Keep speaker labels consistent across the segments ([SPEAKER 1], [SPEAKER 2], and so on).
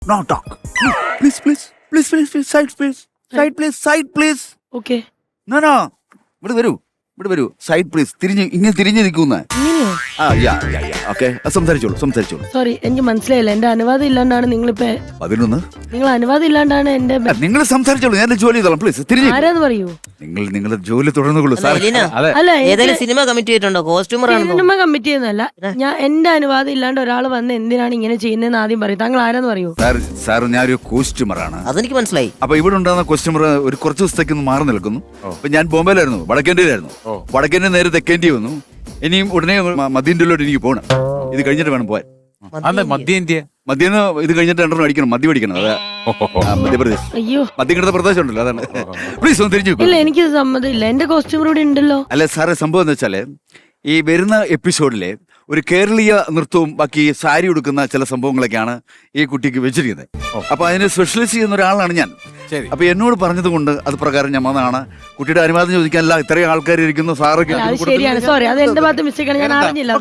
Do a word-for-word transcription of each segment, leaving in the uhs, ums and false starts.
[SPEAKER 1] No talk. Please, please, please, please, please, side, please, side, please, side, please.
[SPEAKER 2] Okay
[SPEAKER 1] No, no. ഇവിടെ വരൂ, ഇവിടെ വരൂ. Side please. തിരിഞ്ഞ് ഇങ്ങനെ തിരിഞ്ഞ് നിൽക്കുന്ന.
[SPEAKER 2] ഇങ്ങനെയോ?
[SPEAKER 1] ആ, യാ, യാ, യാ. ഓക്കെ, സംസാരിച്ചോളൂ, സംസാരിച്ചോളൂ.
[SPEAKER 2] സോറി, എനിക്ക് മനസ്സിലായില്ല. എന്റെ അനുവാദം ഇല്ലാണ്ടാണ് നിങ്ങളിപ്പോ
[SPEAKER 1] പതിനൊന്ന്.
[SPEAKER 2] നിങ്ങൾ അനുവാദം ഇല്ലാണ്ടാണ് എന്റെ
[SPEAKER 1] നിങ്ങൾ സംസാരിച്ചോളൂ, ഞാൻ ജോലി ചെയ്തോളാം. പ്ലീസ് തിരിഞ്ഞ്.
[SPEAKER 2] ആരാന്ന് പറയൂ.
[SPEAKER 1] നിങ്ങൾ നിങ്ങളുടെ ജോലി തുടർന്നുകൊള്ളൂ സാർ.
[SPEAKER 2] അല്ല,
[SPEAKER 3] ഏതെങ്കിലും സിനിമ കമ്മിറ്റ് ചെയ്തിട്ടുണ്ടോ? കോസ്റ്റ്യൂമർ ആണോ?
[SPEAKER 2] സിനിമ കമ്മിറ്റ് ചെയ്യുന്നതല്ല. ഞാൻ എന്റെ അനുവാദം ഇല്ലാണ്ട് ഒരാൾ വന്ന് എന്തിനാണ് ഇങ്ങനെ ചെയ്യുന്നതെന്ന് ആദ്യം പറയും. താങ്കൾ ആരാന്ന് പറയൂ.
[SPEAKER 1] സാർ, സാർ ഞാനൊരു കോസ്റ്റ്യൂമറാണ്.
[SPEAKER 3] അതെനിക്ക് മനസ്സിലായി.
[SPEAKER 1] അപ്പൊ ഇവിടെ ഉണ്ടാകുന്ന കോസ്റ്റ്യൂമർ ഒരു കുറച്ച് ദിവസത്തേക്ക് ഒന്ന് മാറി നിൽക്കുന്നു. അപ്പൊ ഞാൻ ബോംബെയിലായിരുന്നു, വടക്കേണ്ടിയിലായിരുന്നു. വടക്കേണ്ടി നേരെ തെക്കേണ്ടി വന്നു. ഇനിയും ഉടനെ മധ്യേന്ത്യയിലോട്ട് എനിക്ക് പോകണം. ഇത് കഴിഞ്ഞിട്ട് വേണം പോവാൻ.
[SPEAKER 4] മധ്യേന്ത്യ
[SPEAKER 1] മധ്യേന്ന് ഇത് കഴിഞ്ഞിട്ട് രണ്ടെണ്ണം അടിക്കണം, മദ്യം അടിക്കണം. അതെ, മധ്യപ്രദേശ്.
[SPEAKER 2] അയ്യോ,
[SPEAKER 1] മധ്യകിടന്ന പ്രദേശം ഉണ്ടല്ലോ, അതാണ്. പ്ലീസ് ഒന്ന് തിരിച്ചു.
[SPEAKER 2] ഇല്ല, എനിക്ക് സമ്മതമില്ല. എന്റെ കോസ്റ്റ്യൂമർ ഇവിടെ ഉണ്ടല്ലോ.
[SPEAKER 1] അല്ല സാറേ, സംഭവം എന്ന് വെച്ചാല് ഈ വരുന്ന എപ്പിസോഡിലെ ഒരു കേരളീയ നൃത്തവും ബാക്കി സാരി ഉടുക്കുന്ന ചില സംഭവങ്ങളൊക്കെയാണ് ഈ കുട്ടിക്ക് വെച്ചിരിക്കുന്നത്. അപ്പൊ അതിന് സ്പെഷ്യലൈസ് ചെയ്യുന്ന ഒരാളാണ് ഞാൻ. അപ്പൊ എന്നോട് പറഞ്ഞത് കൊണ്ട് അത് പ്രകാരം ഞാൻ വന്നതാണ്. കുട്ടിയുടെ അനുവാദം ചോദിക്കാനല്ല, ഇത്രയും ആൾക്കാർ ഇരിക്കുന്നു. സാറൊക്കെ
[SPEAKER 2] അത് ശരിയാണ്. സോറി, അത് എന്റെ ഭാഗത്ത് മിസ്റ്റേക്ക് ആണ്. ഞാൻ അറിഞ്ഞില്ല.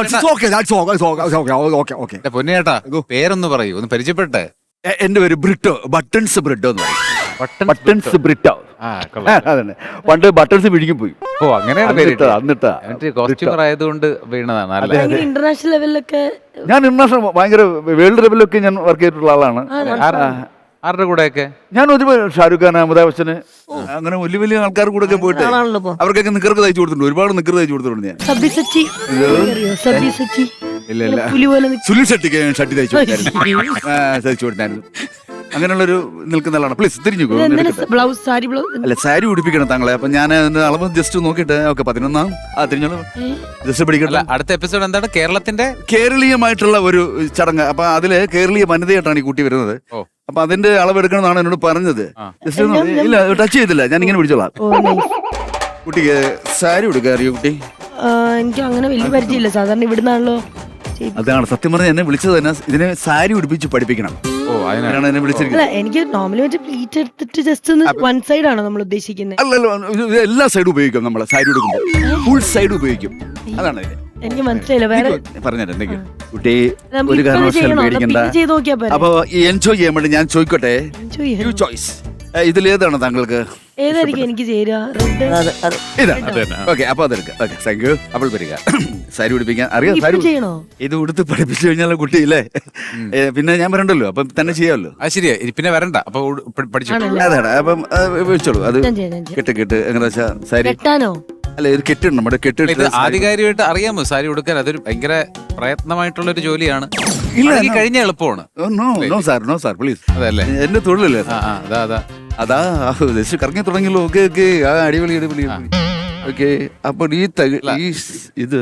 [SPEAKER 4] പൊന്നേട്ടാ, പേരൊന്ന് പറയൂ, ഒന്ന് പരിചയപ്പെട്ടെ.
[SPEAKER 1] എന്റെ പേര് ബ്രിട്ടോ, ബട്ടൺസ് ബ്രിട്ടോ എന്ന് പറയും. ബട്ടൺസ് ബ്രിട്ടോ. അതന്നെ, പണ്ട് ബട്ടൺസ് പിടിക്കും പോയി.
[SPEAKER 4] ഓ, അങ്ങനെയാണ് പേര്.
[SPEAKER 1] എന്നിട്ടാ
[SPEAKER 4] കോസ്റ്റ്യൂമർ ആയതുകൊണ്ട് വീണതാണ്. അല്ലേ,
[SPEAKER 2] ഇന്റർനാഷണൽ ലെവലിലൊക്കെ
[SPEAKER 1] ഞാൻ ഇന്റർനാഷണൽ ഭയങ്കര വേൾഡ് ലെവലിലൊക്കെ ഞാൻ വർക്ക് ചെയ്തിട്ടുള്ള ആളാണ്.
[SPEAKER 4] ആരുടെ കൂടെയൊക്കെ?
[SPEAKER 1] ഞാൻ ഒരുപാട് ഷാരൂഖ് ഖാൻ, അമിതാഭ് ബച്ചന്, അങ്ങനെ വലിയ വലിയ ആൾക്കാർ കൂടെ ഒക്കെ പോയിട്ട് അവർക്കൊക്കെ നിക്കർക്ക് തയ്ച്ചു കൊടുത്തിട്ടുണ്ട്. ഒരുപാട് നിക്കർ തയ്ച്ചു കൊടുത്തിട്ടുണ്ട് ഞാൻ.
[SPEAKER 2] സബ്ബിസച്ചി സബ്ബിസച്ചി
[SPEAKER 1] ഇല്ല ഇല്ല
[SPEAKER 2] പുലി പോലെ നിൽക്കും.
[SPEAKER 1] സുനിൽ ഷെട്ടിക്ക് ഞാൻ ഷട്ടി തയ്ച്ചു കൊടുത്തായിരുന്നു. തയ്ച്ചു കൊടുത്തായിരുന്നു. അങ്ങനെയുള്ളൊരു നിൽക്കുന്ന ആളാണ്. പ്ലീസ് തിരിഞ്ഞു.
[SPEAKER 2] ബ്ലൗസ്, സാരി ബ്ലൗസ്
[SPEAKER 1] അല്ല, സാരി ഉടുപ്പിക്കണം താങ്കളെ. അപ്പൊ ഞാൻ അതിന്റെ അളവ് ജസ്റ്റ് നോക്കിയിട്ട് ഓക്കെ പതിനൊന്നാം ആ തിരിഞ്ഞോളൂ, ജസ്റ്റ് പിടിക്കട്ടെ.
[SPEAKER 4] അടുത്ത എപ്പിസോഡ് എന്താണ്? കേരളത്തിന്റെ
[SPEAKER 1] കേരളീയമായിട്ടുള്ള ഒരു ചടങ്ങ്. അപ്പൊ അതില് കേരളീയ വനിതയായിട്ടാണ് ഈ കുട്ടി വരുന്നത്. അപ്പൊ അതിന്റെ അളവ് എടുക്കണമെന്നാണ് എന്നോട് പറഞ്ഞത്. ജസ്റ്റ് ഇല്ല, ടച്ച് ചെയ്തില്ല, ഞാൻ ഇങ്ങനെ പിടിച്ചോളാം. കുട്ടിക്ക് സാരി ഉടുക്കാൻ അറിയോ കുട്ടി?
[SPEAKER 2] എനിക്ക് അങ്ങനെ വലിയ പരിചയമില്ല. സാധാരണ ഇവിടുന്നാണല്ലോ.
[SPEAKER 1] അതാണ് സത്യം പറഞ്ഞാൽ എന്നെ വിളിച്ചത് തന്നെ ഇതിനെ സാരി ഉടുപ്പിച്ച് പഠിപ്പിക്കണം.
[SPEAKER 4] ഓ, അതിനാണ്
[SPEAKER 1] എന്നെ വിളിച്ചിരിക്കുന്നത്.
[SPEAKER 2] എനിക്ക് നോർമലി മറ്റേ പ്ലീറ്റ് എടുത്തിട്ട് ജസ്റ്റ് ഒന്ന് വൺ സൈഡ് ആണോ നമ്മൾ ഉദ്ദേശിക്കുന്നത്?
[SPEAKER 1] അല്ലല്ലോ, എല്ലാ സൈഡും ഉപയോഗിക്കും നമ്മൾ. സാരി ഉടുക്കുമ്പോൾ ഫുൾ സൈഡ് ഉപയോഗിക്കും. അതാണ്
[SPEAKER 2] എനിക്ക് മനസ്സിലായില്ല. വേറെ
[SPEAKER 1] പറഞ്ഞത് എന്തെങ്കിലും കുട്ടി ഒരു കാരണവശാലും പേടിക്കണ്ട. അപ്പൊ എൻജോയ് ചെയ്യാൻ വേണ്ടി ഞാൻ ചോദിക്കട്ടെ, യു ചോയ്സ്, ഇതിലേതാണ് താങ്കൾക്ക്?
[SPEAKER 2] ഏതായിരിക്കും എനിക്ക് ചേരുക?
[SPEAKER 1] ഇതാണ്. ഓക്കെ, അപ്പൊ അതെടുക്കാം. Okay, thank you. അപ്പോൾ വരിക. സാരി ഉടുപ്പിക്കാൻ അറിയാം. സാരി
[SPEAKER 2] ചെയ്യണോ?
[SPEAKER 1] ഇത് ഉടുത്ത് പഠിപ്പിച്ചു കഴിഞ്ഞാൽ കുട്ടിയില്ലേ, പിന്നെ ഞാൻ വരണ്ടല്ലോ, അപ്പം തന്നെ ചെയ്യാമല്ലോ.
[SPEAKER 4] അത് ശരിയാ, പിന്നെ വരണ്ട. അപ്പൊ പഠിച്ചു.
[SPEAKER 1] അതാണ്. അപ്പം വെച്ചോളൂ. അത് കെട്ട് കെട്ട് എങ്ങനെ വെച്ചാ സാരി
[SPEAKER 2] കെട്ടാനോ?
[SPEAKER 1] അല്ല, ഇത് കെട്ടിടണം. നമ്മുടെ കെട്ടിട്ട്
[SPEAKER 4] ആധികാരികമായിട്ട് അറിയാമോ സാരി ഉടുക്കാൻ? അതൊരു ഭയങ്കര പ്രയത്നമായിട്ടുള്ള ഒരു ജോലിയാണ്. കഴിഞ്ഞ എളുപ്പമാണ്.
[SPEAKER 1] No no sir, no sir, please.
[SPEAKER 4] അതല്ലേ
[SPEAKER 1] എന്റെ തൊഴിലല്ലേ.
[SPEAKER 4] അതാ അതാ
[SPEAKER 1] അതാ ജസ്റ്റ് കറങ്ങി തുടങ്ങിയല്ലോ. ഓക്കെ ഓക്കെ, ആ അടിപൊളി അടിപൊളി. ഓക്കെ, അപ്പൊ ഈ ഈ ഇത്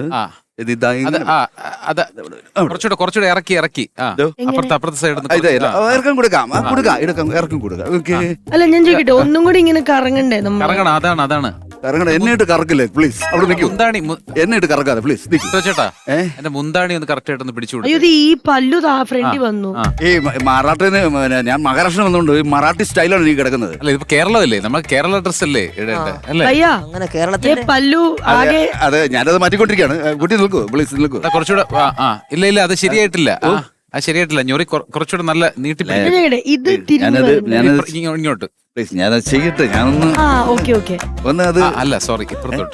[SPEAKER 4] കുറച്ചുകൂടെ കുറച്ചുകൂടെ ഇറക്കി ഇറക്കി അപ്പുറത്തെ അപ്പുറത്തെ സൈഡ്
[SPEAKER 1] ഇറക്കം കൊടുക്കാം, കൊടുക്കാം, ഇറക്കം ഇറക്കം കൊടുക്കാം. ഓക്കെ.
[SPEAKER 2] അല്ല, ഞാൻ ചോദിക്കട്ടെ, ഒന്നും കൂടി ഇങ്ങനെ കറങ്ങണ്ടേ?
[SPEAKER 4] കറങ്ങണം. അതാണ് അതാണ്
[SPEAKER 1] കറങ്ങണം. എന്നെ ഇട്ട് കറക്കില്ലേ പ്ലീസ്. അവിടെ നിൽക്കും.
[SPEAKER 4] മുന്താണി
[SPEAKER 1] എന്നെ ഇട്ട് കറക്കാതെ പ്ലീസ്.
[SPEAKER 4] ചേട്ടാ, എന്റെ മുന്താണി ഒന്ന് കറക്റ്റ് ആയിട്ടൊന്ന് പിടിച്ചു.
[SPEAKER 2] അയ്യോ, ഈ പല്ലു താ ഫ്രണ്ടിൽ വന്നു.
[SPEAKER 1] ഈ മറാഠിന്ന് ഞാൻ മഹാരാഷ്ട്ര വന്നുകൊണ്ട് മറാഠി സ്റ്റൈലാണ് ഈ കിടക്കുന്നത്.
[SPEAKER 4] അല്ല, ഇത് കേരളമല്ലേ, നമ്മൾ കേരള ഡ്രസ് അല്ലേ
[SPEAKER 3] അങ്ങനെ കേരളത്തിൽ
[SPEAKER 2] പല്ലു ആകെ.
[SPEAKER 1] അതെ, ഞാനത് മാറ്റിക്കൊണ്ടിരിക്കുകയാണ്. കുട്ടി നിൽക്കൂ പ്ലീസ്, നിൽക്കൂ.
[SPEAKER 4] കുറച്ചുകൂടെ. ഇല്ല ഇല്ല, അത് ശരിയായിട്ടില്ല. അത് ശരിയായിട്ടില്ല. ഞൊറി കുറച്ചുകൂടെ നല്ല നീട്ടി
[SPEAKER 2] ഇത്
[SPEAKER 4] ഇങ്ങോട്ട്
[SPEAKER 1] പ്ലീസ്. ഞാനത് ചെയ്യട്ടെ. ഞാനൊന്ന് ഒന്ന് അത്
[SPEAKER 4] അല്ല, സോറി, ഇപ്പുറത്തോട്ട്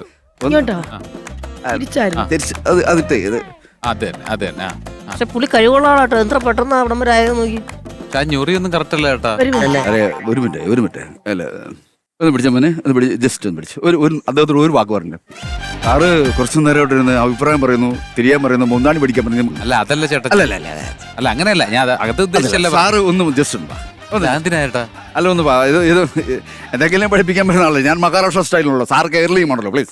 [SPEAKER 1] അതിട്ടേ.
[SPEAKER 4] അതെ അതെ.
[SPEAKER 3] പക്ഷെ പുള്ളി കഴിവുള്ള ആളാട്ടോ. എത്ര പെട്ടെന്ന് അവിടം വരെ ആയത് നോക്കി.
[SPEAKER 4] ആ ഞൊറി ഒന്നും കറക്റ്റ് അല്ല ചേട്ടാ.
[SPEAKER 1] അതെ, ഒരു മിനിറ്റ് ഒരു മിനിറ്റ്. അല്ല, ഒന്ന് പിടിച്ച മോനെ, ഒന്ന് പിടിച്ച് ജസ്റ്റ് ഒന്ന് പിടിച്ചു. ഒരു ഒരു അദ്ദേഹത്തിന് ഒരു വാക്ക് പറഞ്ഞു. സാറ് കുറച്ചു നേരമായിട്ട് ഇരുന്ന് അഭിപ്രായം പറയുന്നു, തിരിയാൻ പറയുന്നു, മുന്താണി പിടിക്കാൻ പറഞ്ഞു.
[SPEAKER 4] അല്ല, അതല്ല ചേട്ടാ.
[SPEAKER 1] അല്ല അല്ല
[SPEAKER 4] അല്ല, അങ്ങനെയല്ല. ഞാൻ അകത്ത് ഉദ്ദേശിച്ചല്ല.
[SPEAKER 1] സാറ് ഒന്ന് ജസ്റ്റ് ഉണ്ട്.
[SPEAKER 4] എന്തിനാ ചേട്ടാ?
[SPEAKER 1] അല്ല, ഒന്ന് ഇത് ഇത് എന്തെങ്കിലും പഠിപ്പിക്കാൻ പറ്റുന്ന ആളല്ലേ. ഞാൻ മഹാരാഷ്ട്ര സ്റ്റൈലിലുള്ള, സാർ കേരളീയമാണല്ലോ. പ്ലീസ്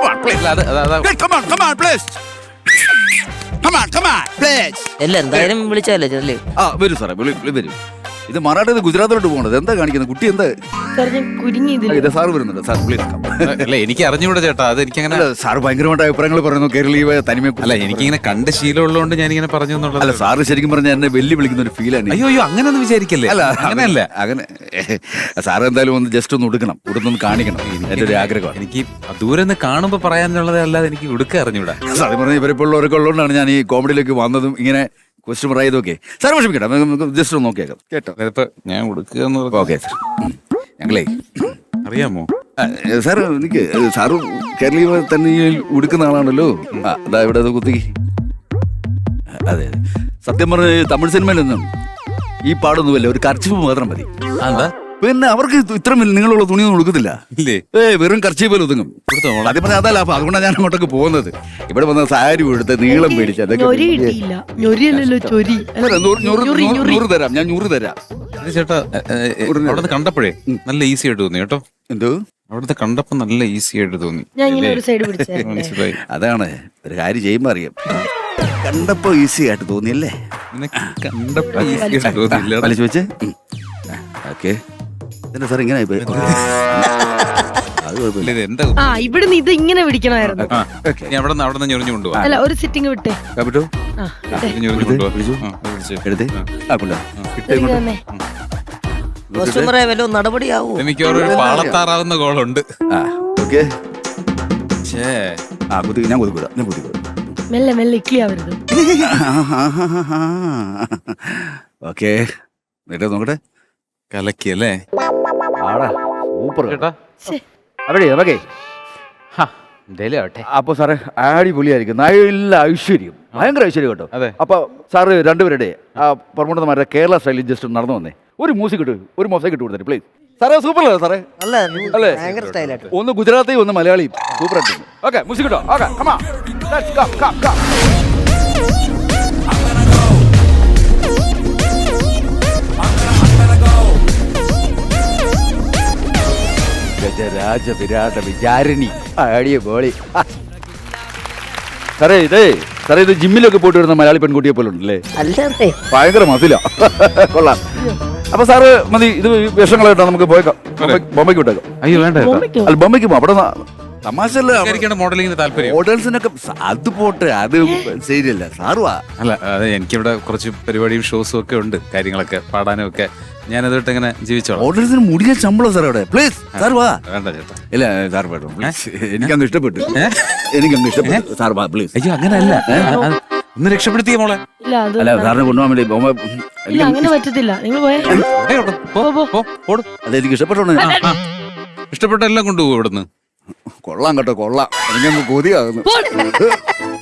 [SPEAKER 3] അല്ല, എന്തായാലും വിളിച്ചല്ലേ ചെല്ലേ.
[SPEAKER 1] ആ, വരൂ സാറേ, വരൂ. ഇത് മറാഠി ഗുജറാത്തിലോട്ട് പോകണത്. എന്താ കാണിക്കുന്നത് കുട്ടി? എന്താ ഇത്? സാറ് വരുന്നുണ്ട് സാർ, പ്ലീസ്.
[SPEAKER 4] അല്ല, എനിക്ക് അറിഞ്ഞൂടെ ചേട്ടാ. അത് എനിക്ക് അങ്ങനെ
[SPEAKER 1] സാറ് ഭയങ്കരമായിട്ട് അഭിപ്രായങ്ങൾ പറയുന്നു കേരളീയ തനിമ.
[SPEAKER 4] അല്ല, എനിക്കിങ്ങനെ കണ്ട ശീലമുള്ളതുകൊണ്ട് ഞാനിങ്ങനെ പറഞ്ഞു എന്നുള്ളത്.
[SPEAKER 1] അല്ല, സാറ് ശരിക്കും പറഞ്ഞാൽ എന്നെ വെല്ലു വിളിക്കുന്ന ഒരു ഫീലാണ്.
[SPEAKER 4] അയ്യോ അയ്യോ, അങ്ങനെ ഒന്നും വിചാരിക്കല്ലേ.
[SPEAKER 1] അല്ല, അങ്ങനെയല്ല. അങ്ങനെ സാറ് എന്തായാലും ഒന്ന് ജസ്റ്റ് ഒന്ന് ഉടുക്കണം, ഉടുത്തൊന്ന് കാണിക്കണം. എന്റെ ഒരു ആഗ്രഹമാണ്.
[SPEAKER 4] എനിക്ക് ദൂരെ നിന്ന് കാണുമ്പോൾ പറയാനുള്ളത് അല്ലാതെ എനിക്ക് ഉടുക്ക അറിഞ്ഞൂടാ.
[SPEAKER 1] സാറ് പറഞ്ഞ ഇവരിപ്പോൾ ഉള്ളവരൊക്കെ ഉള്ളതുകൊണ്ടാണ് ഞാൻ ഈ കോമഡിയിലേക്ക് വന്നതും ഇങ്ങനെ കസ്റ്റമർ ആയതൊക്കെ സാർ വിഷമിക്കട്ടെ, നമുക്ക് ജസ്റ്റ് ഒന്ന് നോക്കിയേക്കാം കേട്ടോ.
[SPEAKER 4] അതിപ്പോ ഞാൻ കൊടുക്കുക എന്ന് പറഞ്ഞാ-
[SPEAKER 1] ഓക്കെ സാർ. ഞങ്ങളേ
[SPEAKER 4] അറിയാമോ?
[SPEAKER 1] ആ, സാർ എനിക്ക് സാറ് കേരളീയ തന്നെ ഈ ഉടുക്കുന്ന ആളാണല്ലോ. ആ, അതാ ഇവിടെ അത് കുത്തി. അതെ, സത്യം പറഞ്ഞ തമിഴ് സിനിമയിലൊന്നും ഈ പാടൊന്നുമല്ല, ഒരു കർച്ചിപ്പ് മാത്രം മതി.
[SPEAKER 4] എന്താ
[SPEAKER 1] പിന്നെ അവർക്ക് ഇത്ര നിങ്ങളുള്ള തുണിയൊന്നും കൊടുക്കത്തില്ല.
[SPEAKER 4] ഇല്ലേ?
[SPEAKER 1] ഏ വെറും കർച്ചിപ്പിൽ ഒതുങ്ങും. അതേ പറഞ്ഞാൽ അതല്ല, അപ്പൊ അതുകൊണ്ടാണ് ഞാൻ അങ്ങോട്ടൊക്കെ പോകുന്നത്. ഇവിടെ വന്ന സാരി എടുത്ത് നീളം മേടിച്ച് അതൊക്കെ
[SPEAKER 2] ഞൊരി കിട്ടിയില്ല. ഞൊരിയല്ലല്ലോ ചൊരി.
[SPEAKER 1] അല്ല, നൂറ് നൂറ് നൂറ് നൂറ് തരാം, ഞാൻ നൂറ് തരാം.
[SPEAKER 4] ഇത് ചേട്ടാ അവിടുന്ന് കണ്ടപ്പോഴേ നല്ല ഈസി ആയിട്ട് തോന്നി കേട്ടോ.
[SPEAKER 1] എന്തോ
[SPEAKER 4] അവിടുത്തെ കണ്ടപ്പോ നല്ല ഈസി ആയിട്ട് തോന്നി.
[SPEAKER 2] ഞാൻ ഇങ്ങനെ ഒരു സൈഡ് പിടിച്ചേ.
[SPEAKER 4] മനസ്സിലായി.
[SPEAKER 1] അതാണ് ഒരു കാര്യം ചെയ്യുമ്പോ അറിയാം. കണ്ടപ്പോ ഈസി ആയിട്ട് തോന്നിയല്ലേ?
[SPEAKER 4] നിനക്ക് കണ്ടപ്പോ ഈസി ആയിട്ട് തോന്നിയില്ല.
[SPEAKER 1] വലിച്ചു വെച്ച് ഓക്കെ. എന്താ സാർ ഇങ്ങനെ ആയിപ്പോയി? അത് കുഴപ്പമില്ല.
[SPEAKER 4] ഇത് എന്താ
[SPEAKER 2] ആ ഇവിടുന്ന് ഇത് ഇങ്ങനെ പിടിക്കണമായിരുന്നു.
[SPEAKER 4] ആ, നീ അവിടെ നിന്ന് അവിടെ നിന്ന് ഞൊറിഞ്ഞു കൊണ്ടുപോവാ.
[SPEAKER 2] അല്ല ഒരു സിറ്റിംഗ് വിട്ടേ.
[SPEAKER 1] കാപ്പിട്ടോ
[SPEAKER 2] ആ വിട്ടേ.
[SPEAKER 4] ഞൊറിഞ്ഞു കൊണ്ടുപോവാ.
[SPEAKER 1] പിടിച്ചു.
[SPEAKER 4] ആ, അത് പിടിച്ച്.
[SPEAKER 1] എടുത്തേ. ആ കൊണ്ടാ
[SPEAKER 2] ഇതിലേക്ക് തന്നെ.
[SPEAKER 3] കസ്റ്റമറെ വല്ല നടപടിയാവൂ.
[SPEAKER 4] മിക്കവാറും ഒരു പാളത്താറാവുന്ന കോളുണ്ട്.
[SPEAKER 1] ആ ഓക്കെ.
[SPEAKER 4] ഛേ,
[SPEAKER 1] ആ കുത്തി, ഞാൻ കുതിക്കൂടാ, ഞാൻ കുതിക്കൂടാ.
[SPEAKER 2] മെല്ലെ മെല്ലെ ഇക്ലി ആവരുത്.
[SPEAKER 1] ഓക്കെ, എന്നിട്ട് നോക്കട്ടെ.
[SPEAKER 4] കലക്കിയല്ലേ
[SPEAKER 1] ആടാ സൂപ്പർ
[SPEAKER 4] ചേട്ടാ?
[SPEAKER 2] ശ്ശേ.
[SPEAKER 1] അവിടെ ഓക്കെ.
[SPEAKER 4] എന്തേലും ആവട്ടെ.
[SPEAKER 1] അപ്പൊ സാറേ അടിപൊളിയായിരിക്കും, നല്ല ഐശ്വര്യം, ഭയങ്കര ഐശ്വര്യം കേട്ടോ.
[SPEAKER 4] അതെ.
[SPEAKER 1] അപ്പൊ സാറ് രണ്ടുപേരുടെ ആ പ്രമുഖന്മാരുടെ കേരള സ്റ്റൈലിൽ ജസ്റ്റ് നടന്നു വന്നേ, ഒരു മ്യൂസിക് ഇട്ട് ഒരു മൊസൈക്ക് ഇട്ട് കൊടുത്തേ പ്ലീസ്. സാറേ സൂപ്പർ അല്ലേ സാറേ?
[SPEAKER 3] നല്ല
[SPEAKER 1] അല്ലേ?
[SPEAKER 3] ഭയങ്കര സ്റ്റൈലായിട്ട്.
[SPEAKER 1] ഒന്ന് ഗുജറാത്തി ഒന്ന് മലയാളിയും സൂപ്പർ ആയിട്ട്. ഓക്കെ മ്യൂസിക് ഇട്ടോ. Okay come on let's come come come. ഗജരാജ വിരാട വിചാരിണി ആടിയ ബോളി. സാറേ ഇതേ സാറേ ഇത് ജിമ്മിലൊക്കെ പോയിട്ട് വരുന്ന മലയാളി പെൺകുട്ടിയെ പോലെ ഉണ്ടല്ലേ?
[SPEAKER 3] അല്ലേ
[SPEAKER 1] ഭയങ്കര മസില. കൊള്ളാം. അപ്പൊ സാറ് മതി, ഇത് വിഷങ്ങളായിട്ടാ നമുക്ക് പോയേക്കാം. ബൊമ്മയ്ക്ക് വിട്ടേക്കാം.
[SPEAKER 4] അയ്യോ വേണ്ട ചേട്ടാ.
[SPEAKER 2] ബൊമ്മയ്ക്കോ?
[SPEAKER 1] അല്ല ബൊമ്മയ്ക്ക് പോ, അവിടെ തമാശല്ല.
[SPEAKER 4] എനിക്കാണ് മോഡലിങ്ങിന് താല്പര്യം.
[SPEAKER 1] ഹോട്ടൽസിനൊക്കെ അത് പോട്ടെ, അത് ശരിയല്ല സാറുവാ.
[SPEAKER 4] അല്ല അതെ, എനിക്കിവിടെ കുറച്ച് പരിപാടിയും ഷോസും ഒക്കെ ഉണ്ട്, കാര്യങ്ങളൊക്കെ പാടാനും ഒക്കെ. ഞാനതിട്ട് ഇങ്ങനെ ജീവിച്ചോളാം.
[SPEAKER 1] ഹോട്ടൽസിന് മുടിയ ശമ്പളം സാർ അവിടെ. പ്ലീസ് സാർ വാ.
[SPEAKER 4] വേണ്ട ചേട്ടാ.
[SPEAKER 1] ഇല്ല സാർ വേണം പ്ലീസ്. എനിക്കങ്ങ് ഇഷ്ടപ്പെട്ടു, എനിക്കങ്ങ് ഇഷ്ടപ്പെട്ടു. സാർ വാ പ്ലീസ്.
[SPEAKER 4] അയ്യോ അങ്ങനെയല്ല, ഒന്ന് രക്ഷപ്പെടുത്തിയ മോളെ.
[SPEAKER 2] ഇല്ല അത്
[SPEAKER 1] അല്ല സാറിനെ കൊണ്ടുപോകാൻ വേണ്ടി ബൊമ്മ
[SPEAKER 2] ഇല്ല അങ്ങനെ പറ്റത്തില്ല. നിങ്ങൾ പോയേ.
[SPEAKER 4] ഏയ് അവിടെ പോ, പോ, ഓട്.
[SPEAKER 1] അത് എനിക്ക് ഇഷ്ടപ്പെട്ടോണ്ട്
[SPEAKER 4] ആ, ആ. ഇഷ്ടപ്പെട്ട എല്ലാം കൊണ്ടുപോകും ഇവിടുന്ന്.
[SPEAKER 1] കൊള്ളാം കേട്ടോ, കൊള്ളാം. എനിക്കങ്ങ് കൊതിയാകുന്നു.
[SPEAKER 2] പോ.